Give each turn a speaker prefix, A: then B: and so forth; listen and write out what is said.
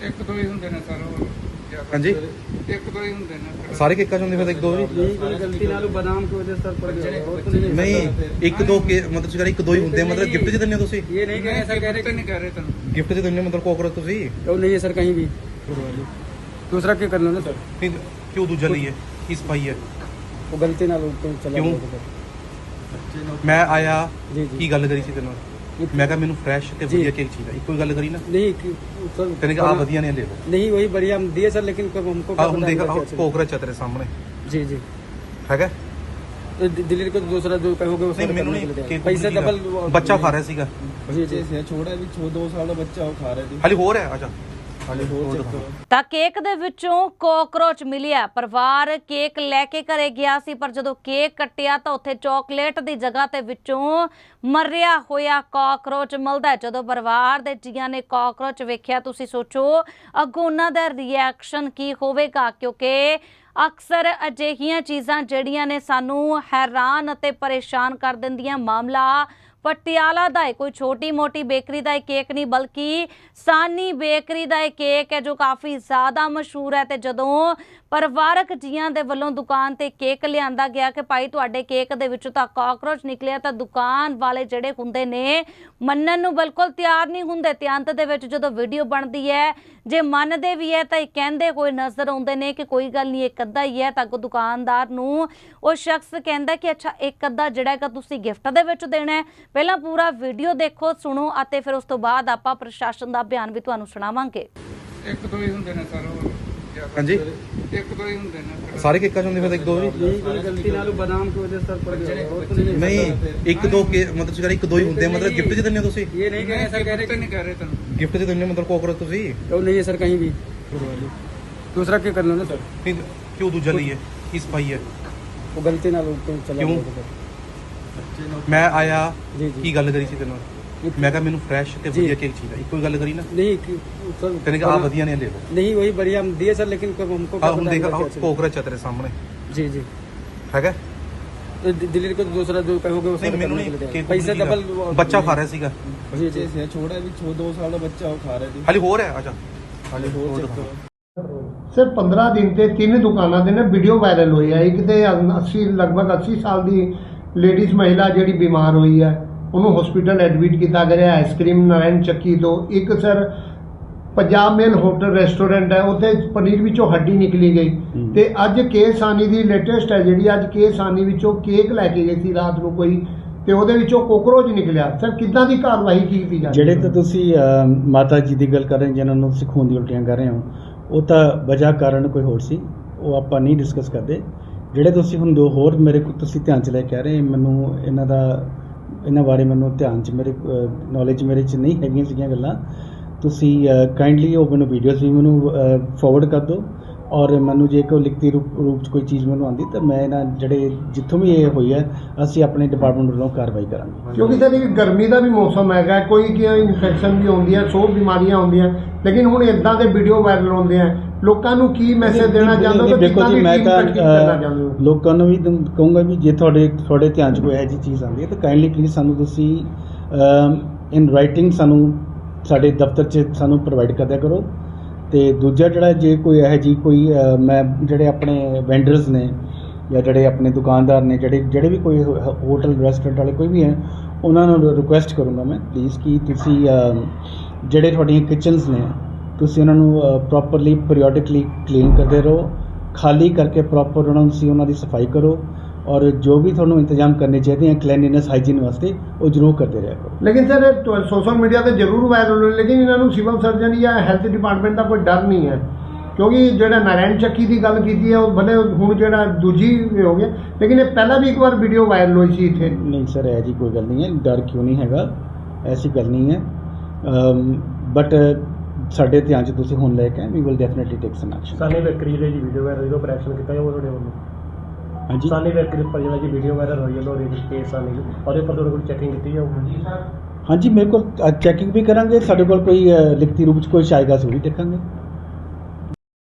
A: ਇੱਕ ਦੋ ਹੀ ਹੁੰਦੇ ਨੇ ਸਰ ਉਹ ਜ਼ਿਆਦਾ
B: ਹਾਂਜੀ
A: ਇੱਕ ਦੋ ਹੀ ਹੁੰਦੇ ਨੇ
B: ਸਾਰੇ ਕੇਕਾਂ ਚ ਹੁੰਦੇ ਫਿਰ ਇੱਕ ਦੋ ਵੀ
C: यही कोई गलती नाल बादाम की वजह से सर पड़ गया और तो नहीं
B: ਨਹੀਂ ਇੱਕ ਦੋ ਕੇ ਮਤਲਬ ਤੁਸੀਂ ਕਹਿੰਦੇ ਇੱਕ ਦੋ ਹੀ ਹੁੰਦੇ ਆ, ਮਤਲਬ ਗਿਫਟ ਚ ਦਿੰਦੇ ਹੋ ਤੁਸੀਂ
C: ये नहीं कह रहे सर कह रहे
A: ਨਹੀਂ ਕਹਿ ਰਹੇ ਤੁਹਾਨੂੰ
B: ਗਿਫਟ ਚ ਦਿੰਦੇ ਹੋ ਮਤਲਬ ਕੋਕਰੋਚ ਤੁਸੀਂ
C: वो नहीं है सर कहीं भी दूसरा क्या कर लो ना सर
B: ਨਹੀਂ ਕਿਉਂ ਦੂਜਾ ਲਈਏ ਕੀ ਸਫਾਈ ਹੈ
C: वो गलती नाल ऊपर चला
B: क्यों?
C: गया सर।
B: ਮੈਂ ਆਇਆ
C: जी जी
B: ਕੀ ਗੱਲ ਕਰੀ ਸੀ ਤੈਨੂੰ ਮੈਂ ਕਿਹਾ ਮੈਨੂੰ ਫਰੈਸ਼ ਤੇ
C: ਜੀ।
B: ਵਧੀਆ ਕੇਕ ਚਾਹੀਦਾ ਇੱਕੋ ਹੀ ਗੱਲ ਕਰੀ ਨਾ
C: नहीं सर
B: ਤੈਨੂੰ ਕਿਹਾ ਆ ਵਧੀਆ ਨੇ ਲੈ ਲਓ
C: नहीं वही बढ़िया हम दिए सर लेकिन कब हमको
B: ਆ
C: क्या
B: ਹੁਣ
C: पता
B: ਦੇਖ
C: हमको क्या चाहिए।
B: ਕੋਕਰੋਚ ਆ ਤੇਰੇ ਸਾਹਮਣੇ
C: जी जी
B: ਹੈਗਾ
C: तो दिल्ली को दूसरा जो कहोगे वो
B: ਨਹੀਂ
C: सर
B: ਮੈਨੂੰ
C: करने के लिए
B: ਨਹੀਂ
C: तैयार।
B: ਕੇਕ
C: पैसे डबल
B: ਬੱਚਾ ਖਾ ਰਿਹਾ ਸੀਗਾ
C: जी जी
D: ਛੋੜਾ ਵੀ 2 ਸਾਲ ਦਾ ਬੱਚਾ ਉਹ ਖਾ ਰਿਹਾ ਸੀ
B: ਹਾਲੇ ਹੋਰ ਹੈ ਅੱਛਾ
D: ਹਾਲੇ ਹੋਰ ਚੱਕਰ
E: ਤਾਂ ਕੇਕ ਦੇ ਵਿੱਚੋਂ ਕੋਕਰੋਚ ਮਿਲਿਆ। ਪਰਿਵਾਰ ਕੇਕ ਲੈ ਕੇ ਘਰੇ ਗਿਆ ਸੀ, ਪਰ ਜਦੋਂ ਕੇਕ ਕੱਟਿਆ ਤਾਂ ਉੱਥੇ ਚਾਕਲੇਟ ਦੀ ਜਗ੍ਹਾ ਤੇ ਵਿੱਚੋਂ ਮਰਿਆ ਹੋਇਆ ਕਾਕਰੋਚ ਮਿਲਦਾ। ਜਦੋਂ ਪਰਿਵਾਰ ਦੇ ਜੀਆਂ ਨੇ ਕਾਕਰੋਚ ਵੇਖਿਆ, ਤੁਸੀਂ ਸੋਚੋ ਅੱਗੋਂ ਉਹਨਾਂ ਦਾ ਰਿਐਕਸ਼ਨ ਕੀ ਹੋਵੇਗਾ, ਕਿਉਂਕਿ ਅਕਸਰ ਅਜਿਹੀਆਂ ਚੀਜ਼ਾਂ ਜਿਹੜੀਆਂ ਨੇ ਸਾਨੂੰ ਹੈਰਾਨ ਅਤੇ ਪਰੇਸ਼ਾਨ ਕਰ ਦਿੰਦੀਆਂ। ਮਾਮਲਾ ਪਟਿਆਲਾ ਦਾ ਹੈ, ਕੋਈ ਛੋਟੀ ਮੋਟੀ ਬੇਕਰੀ ਦਾ ਇਹ ਕੇਕ ਨਹੀਂ, ਬਲਕਿ ਸਾਨੀ ਬੇਕਰੀ ਦਾ ਇਹ ਕੇਕ ਹੈ ਜੋ ਕਾਫੀ ਜ਼ਿਆਦਾ ਮਸ਼ਹੂਰ ਹੈ। ਤੇ ਜਦੋਂ ਪਰਿਵਾਰਕ ਜੀਆਂ ਦੇ ਵੱਲੋਂ ਦੁਕਾਨ ਤੇ ਕੇਕ ਲਿਆਂਦਾ ਗਿਆ ਕਿ ਭਾਈ ਤੁਹਾਡੇ ਕੇਕ ਦੇ ਵਿੱਚੋਂ ਤਾਂ ਕਾਕਰੋਚ ਨਿਕਲਿਆ, ਤਾਂ ਦੁਕਾਨ ਵਾਲੇ ਜਿਹੜੇ ਹੁੰਦੇ ਨੇ ਮੰਨਣ ਨੂੰ ਬਿਲਕੁਲ ਤਿਆਰ ਨਹੀਂ ਹੁੰਦੇ। ਤੇ ਅੰਤ ਦੇ ਵਿੱਚ ਜਦੋਂ ਵੀਡੀਓ ਬਣਦੀ ਹੈ, ਜੇ ਮੰਨਦੇ ਵੀ ਹੈ ਤਾਂ ਇਹ ਕਹਿੰਦੇ ਹੋਏ ਨਜ਼ਰ ਆਉਂਦੇ ਨੇ ਕਿ ਕੋਈ ਗੱਲ ਨਹੀਂ, ਇੱਕ ਅੱਧਾ ਹੀ ਹੈ। ਤਾਂ ਅੱਗੋਂ ਦੁਕਾਨਦਾਰ ਨੂੰ ਉਹ ਸ਼ਖਸ ਕਹਿੰਦਾ ਕਿ ਅੱਛਾ ਇੱਕ ਅੱਧਾ ਜਿਹੜਾ ਹੈਗਾ ਤੁਸੀਂ ਗਿਫਟ ਦੇ ਵਿੱਚ ਦੇਣਾ ਹੈ। ਪਹਿਲਾਂ ਪੂਰਾ ਵੀਡੀਓ ਦੇਖੋ, ਸੁਣੋ ਅਤੇ ਫਿਰ ਉਸ ਤੋਂ ਬਾਅਦ ਆਪਾਂ ਪ੍ਰਸ਼ਾਸਨ ਦਾ ਬਿਆਨ ਵੀ ਤੁਹਾਨੂੰ ਸੁਣਾਵਾਂਗੇ।
A: ਇੱਕ ਦੋ ਹੀ ਹੁੰਦੇ ਨੇ ਸਰ ਉਹ ਜ਼ਿਆਦਾ
B: ਹਾਂਜੀ
A: ਇੱਕ ਦੋ ਹੀ ਹੁੰਦੇ ਨੇ
B: ਸਾਰੇ ਕੇਕਾਂ ਚ ਹੁੰਦੇ ਫਿਰ ਇੱਕ ਦੋ ਵੀ
C: यही कोई गलती नाल बादाम की वजह से सर पड़ गया और तो नहीं
B: ਨਹੀਂ ਇੱਕ ਦੋ ਕੇ ਮਤਲਬ ਤੁਸੀਂ ਕਹਿੰਦੇ ਇੱਕ ਦੋ ਹੀ ਹੁੰਦੇ ਆ, ਮਤਲਬ ਗਿਫਟ ਚ ਦਿੰਦੇ ਹੋ ਤੁਸੀਂ
C: ये नहीं कह रहे सर कह रहे
A: ਨਹੀਂ ਕਹਿ ਰਹੇ ਤੁਹਾਨੂੰ
B: ਗਿਫਟ ਚ ਦਿੰਦੇ ਹੋ ਮਤਲਬ ਕੋਕਰੋਚ ਤੁਸੀਂ
C: वो नहीं है सर कहीं भी दूसरा क्या कर लो ना सर
B: ਨਹੀਂ ਕਿਉਂ ਦੂਜਾ ਲਈਏ ਕੀ ਸਫਾਈ ਹੈ
C: वो गलती नाल ऊपर चला
B: क्यों?
C: गया सर।
B: ਮੈਂ ਆਇਆ
C: जी जी
B: ਕੀ ਗੱਲ ਕਰੀ ਸੀ ਤੈਨੂੰ ਮੈਂ ਕਿਹਾ ਮੈਨੂੰ ਫਰੈਸ਼ ਤੇ
C: ਜੀ।
B: ਵਧੀਆ ਕੇਕ ਚਾਹੀਦਾ ਇੱਕੋ ਹੀ ਗੱਲ ਕਰੀ ਨਾ
C: नहीं सर
B: ਤੈਨੂੰ ਕਿਹਾ ਆ ਵਧੀਆ ਨੇ ਲੈ ਲਓ
C: नहीं वही बढ़िया हम दिए सर लेकिन कब हमको
B: ਆ
C: क्या
B: ਹੁਣ
C: पता
B: ਦੇਖ
C: हमको क्या चाहिए।
B: ਕੋਕਰੋਚ ਆ ਤੇਰੇ ਸਾਹਮਣੇ
C: जी जी
B: ਹੈਗਾ
C: तो दिल्ली को दूसरा जो कहोगे वो
B: ਨਹੀਂ
C: सर
B: ਮੈਨੂੰ
C: करने के लिए
B: ਨਹੀਂ
C: तैयार।
B: ਕੇਕ
C: पैसे डबल
B: ਬੱਚਾ ਖਾ ਰਿਹਾ ਸੀਗਾ
C: जी जी
D: ਛੋੜਾ ਵੀ 2 ਸਾਲ ਦਾ ਬੱਚਾ ਉਹ ਖਾ ਰਿਹਾ ਸੀ
B: ਹਾਲੇ ਹੋਰ ਹੈ ਅੱਛਾ
D: ਹਾਲੇ ਹੋਰ ਚੱਕਰ
F: ਸਰ 15 ਦਿਨ ਤੇ 3 ਦੁਕਾਨਾਂ ਦੇ ਨਾ ਵੀਡੀਓ ਵਾਇਰਲ ਹੋਈ ਹੈ। ਇੱਕ ਤੇ 80 ਲਗਭਗ 80 ਸਾਲ ਦੀ ਲੇਡੀਜ਼ ਮਹਿਲਾ ਜਿਹੜੀ ਬਿਮਾਰ ਹੋਈ ਹੈ, ਉਹਨੂੰ ਹਸਪੀਟਲ ਐਡਮਿਟ ਕੀਤਾ ਗਿਆ ਆਈਸਕ੍ਰੀਮ ਨਾਰਾਇਣ ਚੱਕੀ ਤੋਂ। ਇੱਕ sir Punjab mail hotel restaurant ਹੈ, ਉੱਥੇ ਪਨੀਰ ਵਿੱਚੋਂ ਹੱਡੀ ਨਿਕਲੀ ਗਈ। ਤੇ ਅੱਜ ਕੇ ਸਾਨੀ ਦੀ ਲੇਟੈਸਟ ਹੈ ਜਿਹੜੀ ਅੱਜ ਕੇ ਸਾਨੀ ਵਿੱਚੋਂ ਕੇਕ ਲੈ ਕੇ ਗਈ ਸੀ ਰਾਤ ਨੂੰ ਕੋਈ, ਤੇ ਉਹਦੇ ਵਿੱਚੋਂ ਕੋਕਰੋਚ ਨਿਕਲਿਆ। ਸਰ ਕਿੱਦਾਂ ਦੀ ਕਾਰਵਾਈ ਕੀਤੀ ਜਾ ਰਹੀ
G: ਜਿਹੜੇ
F: ਹੈ?
G: ਤਾਂ ਤੁਸੀਂ ਮਾਤਾ ਜੀ ਦੀ ਗੱਲ ਕਰ ਰਹੇ ਜਿਨ੍ਹਾਂ ਨੂੰ ਤੁਸੀਂ ਖੂਨ ਦੀ ਉਲਟੀਆਂ ਕਰ ਰਹੇ ਹੋ, ਉਹ ਤਾਂ ਵਜ੍ਹਾ ਕਾਰਨ ਕੋਈ ਹੋਰ ਸੀ, ਉਹ ਆਪਾਂ ਨਹੀਂ ਡਿਸਕਸ ਕਰਦੇ। ਜਿਹੜੇ ਤੁਸੀਂ ਹੁਣ ਦੋ ਹੋਰ ਮੇਰੇ ਕੋਲ ਤੁਸੀਂ ਧਿਆਨ 'ਚ ਲੈ ਕੇ ਆ ਰਹੇ, ਮੈਨੂੰ ਇਹਨਾਂ ਬਾਰੇ ਮੈਨੂੰ ਧਿਆਨ 'ਚ ਮੇਰੇ ਨੌਲੇਜ ਮੇਰੇ 'ਚ ਨਹੀਂ ਹੈਗੀਆਂ ਸੀਗੀਆਂ ਗੱਲਾਂ। ਤੁਸੀਂ ਕਾਈਂਡਲੀ ਉਹ ਮੈਨੂੰ ਵੀਡੀਓਜ਼ ਵੀ ਮੈਨੂੰ ਫਾਰਵਰਡ ਕਰ ਦਿਓ, ਔਰ ਮੈਨੂੰ ਜੇ ਕੋਈ ਲਿਖਤੀ ਰੂਪ 'ਚ ਕੋਈ ਚੀਜ਼ ਮੈਨੂੰ ਆਉਂਦੀ ਤਾਂ ਮੈਂ ਇਹਨਾਂ ਜਿਹੜੇ ਜਿੱਥੋਂ ਵੀ ਇਹ ਹੋਈ ਹੈ ਅਸੀਂ ਆਪਣੇ ਡਿਪਾਰਟਮੈਂਟ ਵੱਲੋਂ ਕਾਰਵਾਈ ਕਰਾਂਗੇ।
F: ਕਿਉਂਕਿ ਸਰ ਇਹ ਗਰਮੀ ਦਾ ਵੀ ਮੌਸਮ ਹੈਗਾ, ਕੋਈ ਕੀ ਇਨਫੈਕਸ਼ਨ ਵੀ ਆਉਂਦੀ ਹੈ, 100 ਬਿਮਾਰੀਆਂ ਆਉਂਦੀਆਂ, ਲੇਕਿਨ ਹੁਣ ਇਦਾਂ ਦੇ ਵੀਡੀਓ ਵਾਇਰਲ ਹੁੰਦੇ ਆ। ਲੋਕਾਂ ਨੂੰ ਕੀ ਮੈਸੇਜ ਦੇਣਾ ਚਾਹੁੰਦੇ ਹੋ?
G: ਦੇਖੋ ਜੀ, ਮੈਂ ਤਾਂ
F: ਕਰਨਾ ਚਾਹੁੰਦੇ ਹੋ?
G: ਲੋਕਾਂ ਨੂੰ ਵੀ ਕਹੂੰਗਾ ਵੀ ਜੇ ਤੁਹਾਡੇ ਧਿਆਨ 'ਚ ਕੋਈ ਇਹੋ ਜਿਹੀ ਚੀਜ਼ ਆਉਂਦੀ ਹੈ ਤਾਂ ਕਾਈਂਡਲੀ ਪਲੀਜ਼ ਸਾਨੂੰ ਤੁਸੀਂ ਇਨ ਰਾਈਟਿੰਗ ਸਾਨੂੰ ਸਾਡੇ ਦਫ਼ਤਰ 'ਚ ਸਾਨੂੰ ਪ੍ਰੋਵਾਈਡ ਕਰ ਦਿਆ ਕਰੋ। ਤੇ ਦੂਜਾ ਜਿਹੜਾ ਜੇ ਕੋਈ ਇਹੋ ਜਿਹੀ ਕੋਈ ਮੈਂ ਜਿਹੜੇ ਆਪਣੇ ਵੈਂਡਰਸ ਨੇ ਜਾਂ ਜਿਹੜੇ ਆਪਣੇ ਦੁਕਾਨਦਾਰ ਨੇ ਜਿਹੜੇ ਵੀ ਕੋਈ ਹੋਟਲ ਰੈਸਟੋਰੈਂਟ ਵਾਲੇ ਕੋਈ ਵੀ ਹੈ, ਉਹਨਾਂ ਨੂੰ ਰਿਕੁਐਸਟ ਕਰੂੰਗਾ ਮੈਂ ਪਲੀਜ਼ ਕਿ ਤੁਸੀਂ ਜਿਹੜੇ ਤੁਹਾਡੀਆਂ ਕਿਚਨਸ ਨੇ ਤੁਸੀਂ ਉਹਨਾਂ ਨੂੰ ਪ੍ਰੋਪਰਲੀ ਪੀਰੀਓਡਿਕਲੀ ਕਲੀਨ ਕਰਦੇ ਰਹੋ, ਖਾਲੀ ਕਰਕੇ ਪ੍ਰੋਪਰ ਉਹਨਾਂ ਨੂੰ ਉਹਨਾਂ ਦੀ ਸਫਾਈ ਕਰੋ, ਔਰ ਜੋ ਵੀ ਤੁਹਾਨੂੰ ਇੰਤਜ਼ਾਮ ਕਰਨੇ ਚਾਹੀਦੇ ਆ ਕਲੀਨਲੀਨੈਸ ਹਾਈਜੀਨ ਵਾਸਤੇ ਉਹ ਜ਼ਰੂਰ ਕਰਦੇ ਰਿਹਾ ਕਰੋ।
F: ਲੇਕਿਨ ਸਰ ਸੋਸ਼ਲ ਮੀਡੀਆ ਤੇ ਜ਼ਰੂਰ ਵਾਇਰਲ ਹੋਏ, ਲੇਕਿਨ ਇਹਨਾਂ ਨੂੰ ਸਿਵਲ ਸਰਜਨ ਜਾਂ ਹੈਲਥ ਡਿਪਾਰਟਮੈਂਟ ਦਾ ਕੋਈ ਡਰ ਨਹੀਂ ਹੈ। ਕਿਉਂਕਿ ਜਿਹੜਾ ਨਾਰਾਇਣ ਚੱਕੀ ਦੀ ਗੱਲ ਕੀਤੀ ਹੈ ਉਹ ਭਲੇ ਹੁਣ ਜਿਹੜਾ ਦੂਜੀ ਹੋ ਗਿਆ, ਲੇਕਿਨ ਇਹ ਪਹਿਲਾਂ ਵੀ ਇੱਕ ਵਾਰ ਵੀਡੀਓ ਵਾਇਰਲ ਹੋਈ ਸੀ ਇੱਥੇ।
G: ਨਹੀਂ ਸਰ, ਇਹ ਜੀ ਕੋਈ ਗੱਲ ਨਹੀਂ ਹੈ, ਡਰ ਕਿਉਂ ਨਹੀਂ ਹੈਗਾ, ਐਸੀ ਗੱਲ ਨਹੀਂ ਹੈ। ਬਟ ਸਾਡੇ ਧਿਆਨ 'ਚ ਤੁਸੀਂ ਹੁਣ ਲੈ ਕੇ we will definitely take some action.
H: Sani bakery ਦੇ ਜੀ ਵੀਡੀਓ ਵਾਇਰਲ ਜਦੋਂ ਆਪਰੇਸ਼ਨ ਕੀਤਾ ਜਾਊਗਾ ਤੁਹਾਡੇ ਵੱਲੋਂ?
G: ਹਾਂਜੀ,
H: ਸਾਨੀ ਬੇਕਰੀ ਉੱਪਰ ਜਿਹੜਾ ਜੀ ਵੀਡੀਓ ਵਾਇਰਲ ਹੋਈ ਹੈ ਉਹਦੇ ਵਿੱਚ ਕੇਸ ਸਾਨੀ ਉਹਦੇ ਉੱਪਰ ਤੁਹਾਡੇ ਕੋਲ ਚੈਕਿੰਗ ਕੀਤੀ ਜਾਊਗੀ?
G: ਹਾਂਜੀ ਮੇਰੇ ਕੋਲ ਚੈਕਿੰਗ ਵੀ ਕਰਾਂਗੇ, ਸਾਡੇ ਕੋਲ ਕੋਈ ਲਿਖਤੀ ਰੂਪ 'ਚ ਕੋਈ ਆਏਗਾ ਅਸੀਂ ਉਹ ਵੀ ਦੇਖਾਂਗੇ।